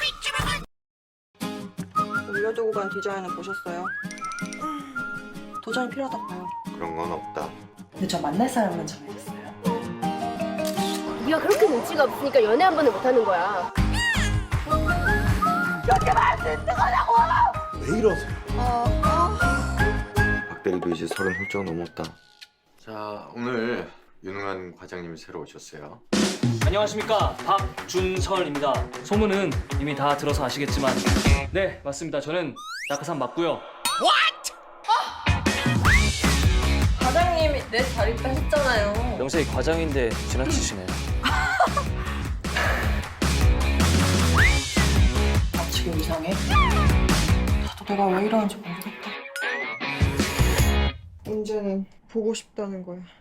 올려두고 간 디자인은 보셨어요? 도전이 필요하다고 봐요. 그런 건 없다. 근데 저 만날 사람은 정해졌어요. 네가 그렇게 눈치가 없으니까 연애 한 번을 못하는 거야. 왜 이러세요? 박 대리도 이제 30 훌쩍 넘었다. 자, 오늘 유능한 과장님이 새로 오셨어요. 안녕하십니까, 박준설입니다. 소문은 이미 다 들어서 아시겠지만 네, 맞습니다. 저는 낙하산 맞고요. 과장님이 내 자리 뺏었잖아요. 명색이 과장인데 지나치시네요. 지금 이상해? 나도 내가 왜 이러는지 모르겠다. 문제는 보고 싶다는 거야.